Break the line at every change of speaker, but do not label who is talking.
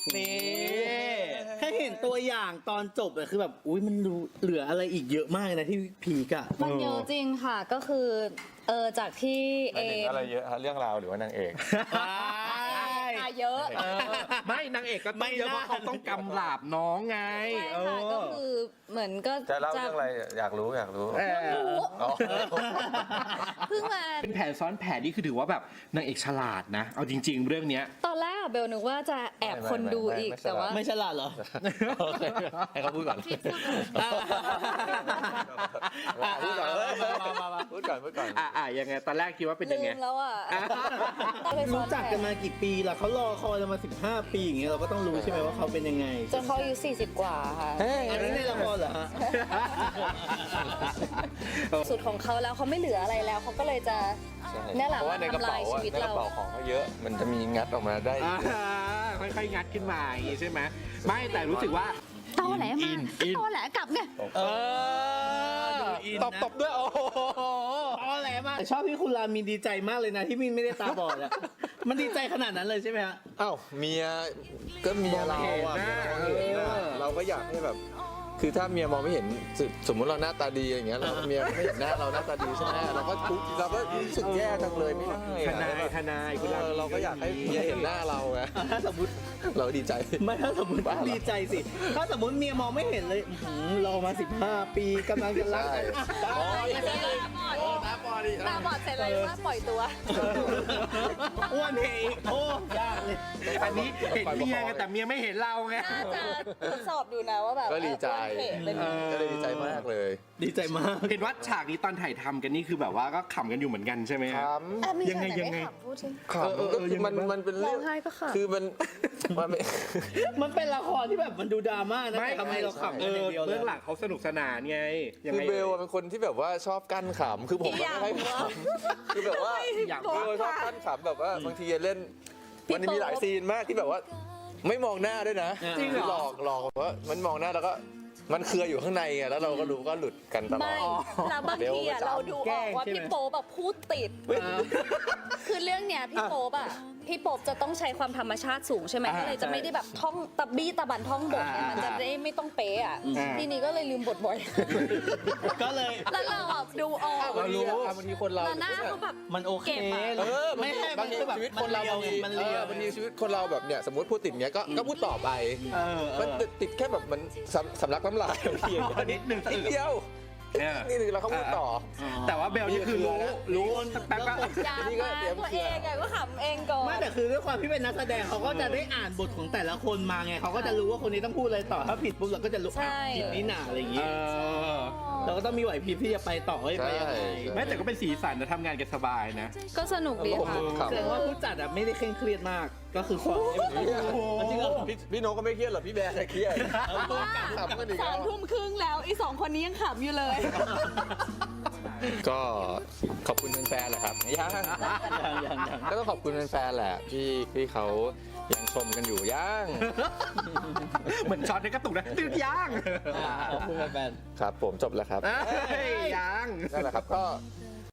นี่แค่เห็นตัวอย่างตอนจบอะคือแบบอุ้ยมันเหลืออะไรอีกเยอะมากนะที่พีกอะ
มันเยอะจริงค่ะก็คือจากที่เอ
หมายถึงอะไรเยอะฮะเรื่องราวหรือว่านางเอก
เยอะ
ไม่นางเอกก็ต้องเยอะเพราะเขาต้องกำราบน้องไง
ใช่ค่ะก็คือเหมือนก็
จะเล่าเรื่องอะไรอยากรู้ อ๋อ
เพิ่งมา
เป็นแผนซ้อนแผนนี่คือถือว่าแบบนางเอกฉลาดนะ เอาจริง ๆ เรื่องเนี้ย
ตอนแรกอะเบลนึกว่าจะแอบคนดูอีกแต่ว่า
ไม่ฉลาดเหรอ
ให้เขาพูดก่อนพูดก่อน
ยังไงตอนแรกคิดว่าเป็น
ลื
ยังไง
มแล้วอ่ะ
รู้จักกันมากี่ปีล่ะเขารอคอยกันมา15 ปีอย่างเงี้ยเราก็ต้องรู้ใช่ไหมว่าเขาเป็นยังไง
จนเขาอายุ40 กว่าค่ะ
อันนี้ในละครเหรอฮะ
สุดของเขาแล้วเขาไม่เหลืออะไรแล้วเขาก็เลยจะเนี่ยแหละ
เพราะว่าในกระ
ทำลา
เป๋าย
ชีวิต
ในก
เรา
ระเป๋าของเขาเยอะ มันจะมีงัดออกมาได้
ค่อยๆงัดขึ้นมาอย่างงี้ใช่ไหมไม่แต่รู้สึกว่า
ตอแหลมาตอแหลกลับไง
ตบด้วยโอ้โห
ตอแหลมากชอบที่คุณรามีดีใจมากเลยนะที่มินไม่ได้ตาบอดอะมันดีใจขนาดนั้นเลยใช่ไหมฮะ
อ้าวเมียก็เมียเราอ่ะเราก็อยากให้แบบ คือถ้าเมียมองไม่เห็นสมมุติเราหน้าตาดีอย่างเงี้ยเราเมียไม่เห็นหน้าเราหน้าตาดีใช่ไหมเราก็ทุกข์เราก็รู้สึกแย่จังเลยไม่ได้
ทนายคุณ
เราก็อยากให้เมียเห็นหน้าเราไง
ถ้าสมมติ
เราดีใจ
ไม่ถ้าสมมติ
บ้าเหรอ
ดีใจสิ ถ้าสมมติเมียมองไม่เห็นเลยรอมา15 ปีกำลังจะรักกัน
ตาบอดเสร็จเลยว่าปล่อยตัว
อ้วนเพอีกโอ้ยากเลย
อันนี้เห็นเมียไงแต่เมียไม่เห็นเราไง
น่าจะทดสอบอยู่นะว่าแบบ
ก็ดีใจ
เป็น
ก็เลยดีใจมากเลย
ดีใจมาก
เห็นว่าฉากนี้ตอนถ่ายทำกันนี่คือแบบว่าก็ขำกันอยู่เหมือนกันใช่ไหม
ค
ครับ
ำ
ยังไง
พูดสิ
ขำก็คือมันเป็น
ร้
เรื่
อ
อง ง
ไห้ก็ค่ะ
คือมันไม่
มันเป็นละครที่แบบมันดูดราม่านะแต่ทำไมเราขำกันอย่างเดียวเล
เบื้
ย
องหลังเขาสนุกสนานไงยัง
คือ
ไง
เบลเป็นคนที่แบบว่าชอบกั้นขำคือผมไม่ค่อยขำคือแบบว่า
อยาก
เบลชอบกั้นขำแบบว่าบางทีเล่นมันมีหลายซีนมากที่แบบว่า ไม่มองหน้าด้วยนะ
จริงเหรอ
คือหลอกว่ามันมองหน้าแล้วก็มันเครืออยู่ข้างในไงแล้วเราก็รู้ก็หลุดกันตลอ
ไม่
ด
แล้วบางทีอะเราดูออกว่าพี่โป๊แบบพูดติด คือเรื่องเนี้ยพี่โป๊บอะพี่โป๊บจะต้องใช้ความธรรมชาติสูงใช่ไหมก็เลยจะไม่ได้แบบท่องตะบี้ตะบันท่องบทเนี่ยมันจะได้ไม่ต้องเป๊ะอะทีนี้ก็เลยลืมบทบ่อย
ก็เลย
แล้วเราอะดูออก
บางทีคนเรา
แล้วหน้าเขาแบบ
มันโอเค
เก็บอะ
ไม่ใช่
บางที
คือแบบ
ชีวิตคนเรา
มันเลียว
บางทีชีวิตคนเราแบบเนี่ยสมมติพูดติดเนี้ยก็พูดต่อไปมันติดแค่แบบมันสำลักน้ำลายบางที
นิดหนึ่ง
นิดเดียวนี่นึงแล้วเขาพูดต่อ
แต่ว่าเบลนี่คือรู้แป๊บก็
ยามมาตัวเองอะก็ขำเองก่อน
ไม่แต่คือด้วยความที่เป็นนักแสดงเขาก็จะได้อ่านบทของแต่ละคนมาไงเขาก็จะรู้ว่าคนนี้ต้องพูดอะไรต่อถ้าผิดปุ๊บเราก็จะรู้ผิดนี่หนาอะไรอย่างงี้เราก็ต้องมีไหวพริบที่จะไปต่อให้ไปยังไง
ไม่แต่ก็เป็นสีสันนะทำงานกันสบายนะ
ก็สนุกดีค่ะ
แสดงว่าผู้จัดอะไม่ได้เคร่งเครียดมากก็คือความจริงเหรอ
พี่โนก็ไม่เครียดหรอกพี่แบร์เครียดขำกันอีกแล้ว
3:30แล้วอี2คนนี้ยังขำอยู่เลย
ก็ขอบคุณแฟนๆแหละครับยังก็ต้องขอบคุณแฟนๆแหละที่เขายังชมกันอยู่ย่าง
เหมือนช็อตในกระตุกนะตืดย่าง
ขอบคุณแฟน
ครับผมจบแล้วครับ
ย่าง
นั่นแหละครับก็